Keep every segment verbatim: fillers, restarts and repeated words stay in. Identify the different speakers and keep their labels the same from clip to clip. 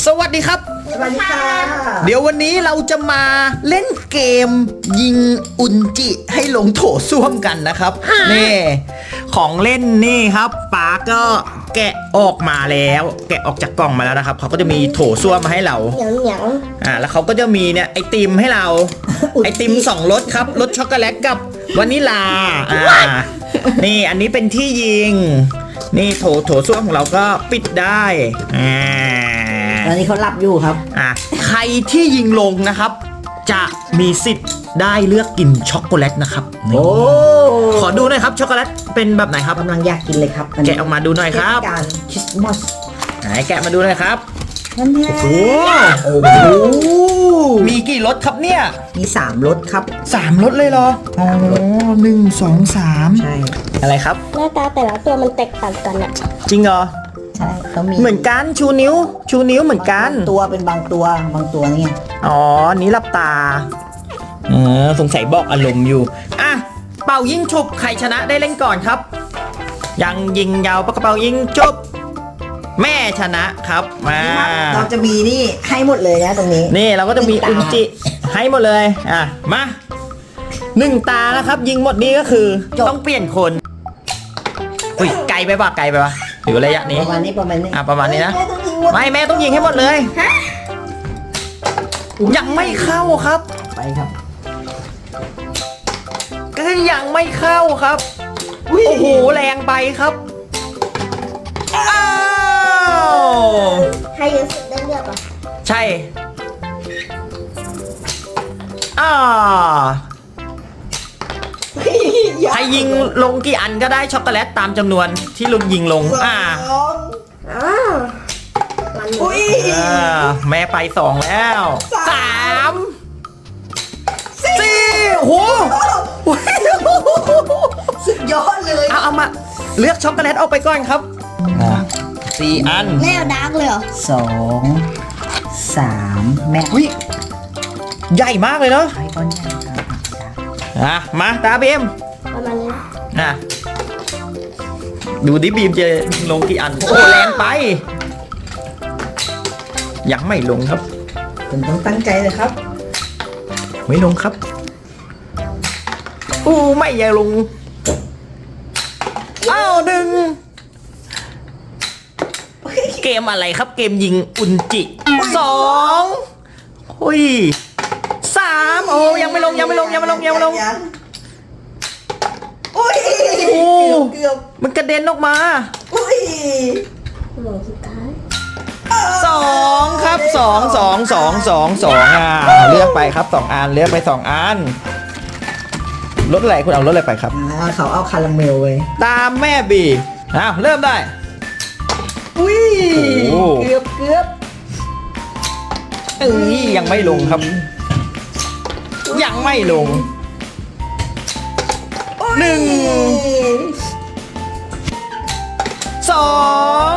Speaker 1: สวัสดีครับ
Speaker 2: สวัสดีค่ะ
Speaker 1: เดี๋ยววันนี้เราจะมาเล่นเกมยิงอุนจิให้ลงโถส้วมกันนะครับนี่ของเล่นนี่ครับป๋าก็แกะออกมาแล้ว แกะออกจากกล่องมาแล้วนะครับเขาก็จะมีโถส้วมมาให้เรา
Speaker 2: เหนียวเหนียว
Speaker 1: อ่าแล้วเขาก็จะมีเนี่ยไอติมให้เราไอติมสองรสครับรสช็อกโกแลตกับวานิลาอ่านี่อันนี้เป็นที่ยิงนี่โถโถส้วมของเราก็ปิดได้อ่า
Speaker 2: ตอนนี้เขาหลับอยู่ครับ
Speaker 1: อ่ะใครที่ยิงลงนะครับจะมีสิทธิ์ได้เลือกกินช็อกโกแลตนะครับโอ้ขอดูหน่อยครับช็อกโกแลตเป็นแบบไหนครับ
Speaker 2: กำลังอยากกินเลยครับ
Speaker 1: แกะออกมาดูหน่อยครับ
Speaker 2: การคริสต์มาส
Speaker 1: ไหนแกะมาดูหน่อยครับ
Speaker 2: นั่นแหละ
Speaker 1: โอ้โหมีกี่รสครับเนี่ย
Speaker 2: มีสามรสครับ
Speaker 1: สามรสเลยเหรออ๋อหนึ่งสองสาม
Speaker 2: ใช่
Speaker 1: อะไรครับ
Speaker 3: หน้าตาแต่ละตัวมันแตกต่างกันอะ
Speaker 1: จริงเหรอ
Speaker 2: ใช่เขามี
Speaker 1: เหมือนกันชูนิ้วชูนิ้วเหมือนกัน
Speaker 2: ตัวเป็นบางตัวบางตัวนี่
Speaker 1: อ๋อนี้หลับตาเออสงสัยบอกอารมณ์อยู่อ่ะเป่ายิงฉุบใครชนะได้เล่นก่อนครับยังยิงยาวปากกระเป๋ายิงฉุบแม่ชนะครับมา
Speaker 2: เราจะมีนี่ให้หมดเลยนะตรงนี้
Speaker 1: นี่เราก็จะมีอุนจิให้หมดเลยอ่ะมาหนึ่งตานะครับยิงหมดนี้ก็คือต้องเปลี่ยนคนอุ้ยไกลไปป่ะไกลไปป่ะหรือระยะนี้
Speaker 2: ประมาณนี้ประมาณนี้
Speaker 1: อ่ะประมาณนี้นะไม่แม่ต้องยิงให้หมดเลยยังไม่เข้าครับ
Speaker 2: ไปครับ
Speaker 1: ก็ยังไม่เข้าครับโอ้โหแรงไปครับอ้าว
Speaker 3: ให้เยอะสุดได้เลือกอ่ะ
Speaker 1: ใช่อ่าใครยิงลงกี่อันก็ได้ช็อกโกแลตตามจำนวนที่ลุงยิงลงอ่า
Speaker 3: อ้าว
Speaker 2: อุ้ย
Speaker 1: แม่ไปสองแล้วสามสี่โห
Speaker 2: สุดยอดเลย
Speaker 1: เอาเอามาเลือกช็อกโกแลตออกไปก่อนครับสี่อัน
Speaker 3: แม่ดาร์กเลยเหรอ
Speaker 2: สองสามแม่
Speaker 1: วิใหญ่มากเลยเนาะ
Speaker 2: ไอ้ก้อนใหญ่ครับ
Speaker 1: อ่ะมาตาบีม
Speaker 3: ประมาณนี้
Speaker 1: นะดูดิบีมจะลงกี่อันโอ้แรงไปยังไม่ลงครับ
Speaker 2: คุณต้องตั้งใจเลยครับ
Speaker 1: ไม่ลงครับอู้ไม่ยังลงอ้าวหนึ่งเกมอะไรครับเกมยิงอุนจิสองอุ้ยสามโอ้ยังไม่ลงยังไม่ลงยังไม่ลงยังไม่ลง
Speaker 2: โอ้ยเกือบ
Speaker 1: มันกระเด็นออกมา
Speaker 2: อุ้ย
Speaker 3: หมดสุดท้าย
Speaker 1: สองครับสองสองสองสองสองอ่ะเลือกไปครับสองอันเลือกไปสองอันรถอะไรคุณเอารถอะไรไปครับ
Speaker 2: เขาเอาคาราเมลเลย
Speaker 1: ตามแม่บีอ้าวเริ่มได้
Speaker 2: อุ้ยเกือบเกือบ
Speaker 1: เอ้ยยังไม่ลงครับยังไม่ลงหนึ่งสอง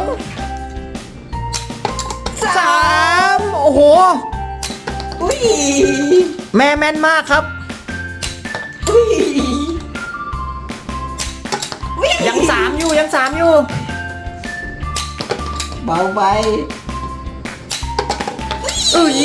Speaker 1: สามโอ้โห
Speaker 2: อุ้ย
Speaker 1: แม่แม่นมากครับ
Speaker 2: อุ้ย
Speaker 1: ยังสามอยู่ยังสามอยู่
Speaker 2: เบาไป
Speaker 1: อุ้ย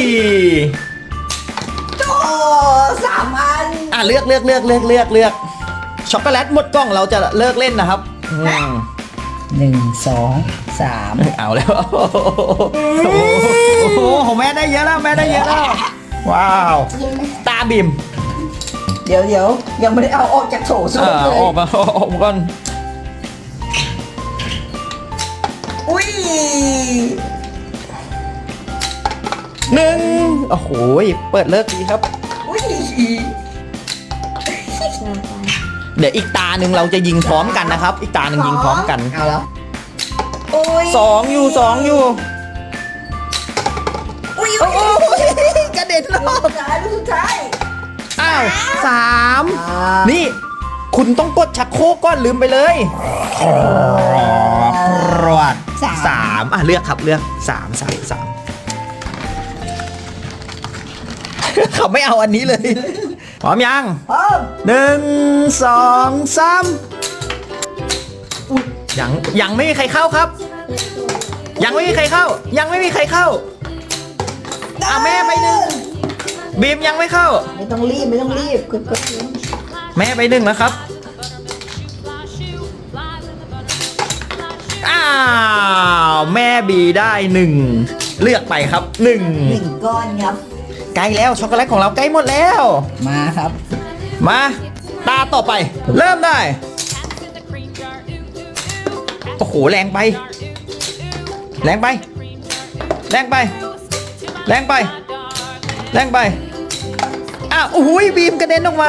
Speaker 2: โอ้สามอัน
Speaker 1: อ่ะเลือกเลือกเลือกเลือกเลือกเลือกช็อกโกแลตหมดกล่องเราจะเลิกเล่นนะครับ
Speaker 2: หนึ่งสองสาม
Speaker 1: เอาแล้วโอ้โหของแม่ได้เยอะแล้วแม่ได้เยอะแล้วว้าวตาบิม
Speaker 2: เดี๋ยวเดี๋ยวยังไม่ได้เอาออกจากโถส้วมเลย
Speaker 1: ออกมาออกมาก่อน
Speaker 2: อุ้ย
Speaker 1: หนึ่งโอ้โหเปิดเลิกดีครับ
Speaker 2: อุ้ย
Speaker 1: เดี๋ยวอีกตาหนึ่งเราจะยิงพร้อมกันนะครับอีกตาหนึ่งยิงพร้อมกัน
Speaker 2: เอาแล้ว
Speaker 1: สองอยู่สองอยู่
Speaker 2: อุ้ย
Speaker 1: กระเด็นแล้ว
Speaker 2: สุดท้ายสุดท้าย
Speaker 1: อ้าวสามนี่คุณต้องกดชักโครกก่อนลืมไปเลยรวดสามอ่ะเลือกครับเลือกสามสามสามเขาไม่เอาอันนี้เลยพร้อมยัง
Speaker 2: พร้อม
Speaker 1: หนึ่งสองสามยังยังไม่มีใครเข้าครับยังไม่มีใครเข้า ยังไม่มีใครเข้าอ่ะแม่ไปหนึ่งบีมยังไม่เข้า
Speaker 2: ไม่ต้องรีบไม่ต้องรีบกดกด
Speaker 1: แม่ไปหนึ่งแล้วครับอ้าวแม่บีได้หนึ่งเลือกไปครับหนึ่ง
Speaker 2: หนึ่งก้อนครับ
Speaker 1: ใกล้แล้วช็อกโกแลตของเราใกล้หมดแล้ว
Speaker 2: มาครับ
Speaker 1: มาตาต่อไป เริ่มได้โอ้โหแรงไป แรงไป แรงไป แรงไป แรงไปอ้าวโอ้โหบีมกระเด็นออกมา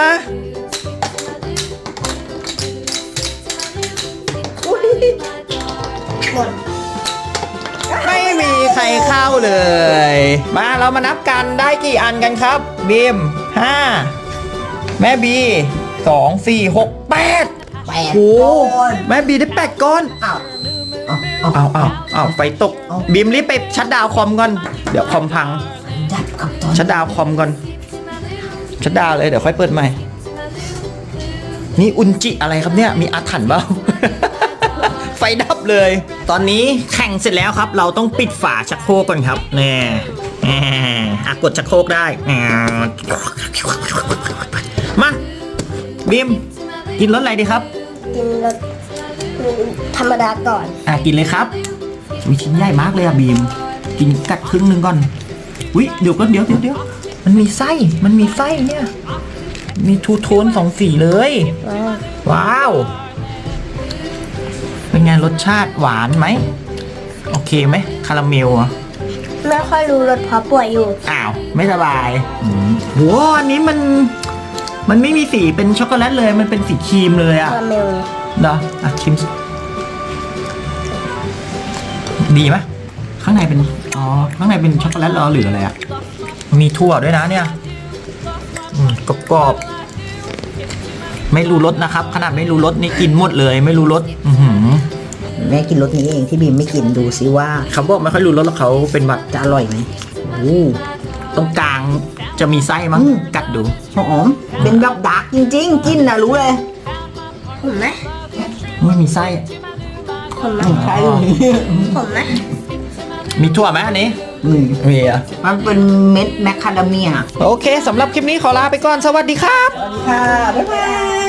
Speaker 2: อุ้ยหมด
Speaker 1: ไม่มีใครเข้าเลย มาเรามานับกันได้กี่อันกันครับบีมห้าแม่บีสองสี่หกแปด
Speaker 2: แปด
Speaker 1: โอ้
Speaker 2: ก้อน
Speaker 1: แม่บีได้แปดก้อน
Speaker 2: อ้าวเอาเอา
Speaker 1: เอาเอาเอาไฟตก
Speaker 2: เอา
Speaker 1: บีมรีบไปชัดดาวน์คอมก่อน เดี๋ยวคอมพัง
Speaker 2: ดับกับตอน
Speaker 1: ชัดดาวน์คอมก่อน ชัดดาวน์เลยเดี๋ยวค่อยเปิดใหม่ นี่อุนจิอะไรครับเนี่ย มีอาถรรพ์เปล่า ไฟดับเลย ตอนนี้แข่งเสร็จแล้วครับ เราต้องปิดฝาชักโครกก่อนครับแน่แน่อ่ะกดชักโครกได้อ่ามาบีมกินรสอะไรดีครับ
Speaker 3: กินรสธรรมดาก่อน
Speaker 1: อ่ะกินเลยครับวิชิ้นใหญ่มากเลยอ่ะบีม กินกัดครึ่งหนึ่งก่อนวิเดี๋ยวก็เดี๋ยวเดี๋ยวเดี๋ยวมันมีไส้ มันมีไส้เนี่ย มีทูโทนสองสีเลย ว้าว เป็นไงรสชาติหวานไหม โอเคไหมคาราเมลอ่ะ
Speaker 3: ไม่ค่อยรู้รสเพราะป่วยอยู่
Speaker 1: อ้าว ไม่สบายโหอันนี้มัน มันไม่มีสีเป็นช็อกโกแลตเลย มันเป็นสีครีมเลยอ่ะ
Speaker 3: คาราเมล
Speaker 1: เหรออ่ะชิมสิดีไหมข้างในเป็น อ๋อ ข้างในเป็นช็อกโกแลตเหรอหรืออะไรอ่ะ มีถั่วด้วยนะเนี่ยอืมกรอบๆไม่รู้รสนะครับ ขนาดไม่รู้รสนี่กินหมดเลย ไม่รู้รสอือหือ
Speaker 2: แม่กินรสนี้เองที่บีมไม่กินดูซิว่า
Speaker 1: เขาบอกไม่ค่อยรู้รสแล้วเขาเป็นหวัด
Speaker 2: จะอร่อยไหม
Speaker 1: โอ้ตรงกลางจะมีไส้มั้ง
Speaker 2: อืม
Speaker 1: กัดดู
Speaker 2: หอมเป็นแบบดาร์กจริงๆ กินนะรู้เลย
Speaker 3: ผมไหม
Speaker 1: ไม่มีไส้
Speaker 3: ผมไหม
Speaker 2: ใช่
Speaker 3: ผมไหม
Speaker 1: มีถั่วไหมอันนี้
Speaker 2: อืม
Speaker 1: มีอ่ะ
Speaker 2: มันเป็นเม็ดแมคคาเดเมีย
Speaker 1: โอเคสำหรับคลิปนี้ขอลาไปก่อน สวัสดีครับ
Speaker 2: สวัสดีค่ะ บ๊ายบาย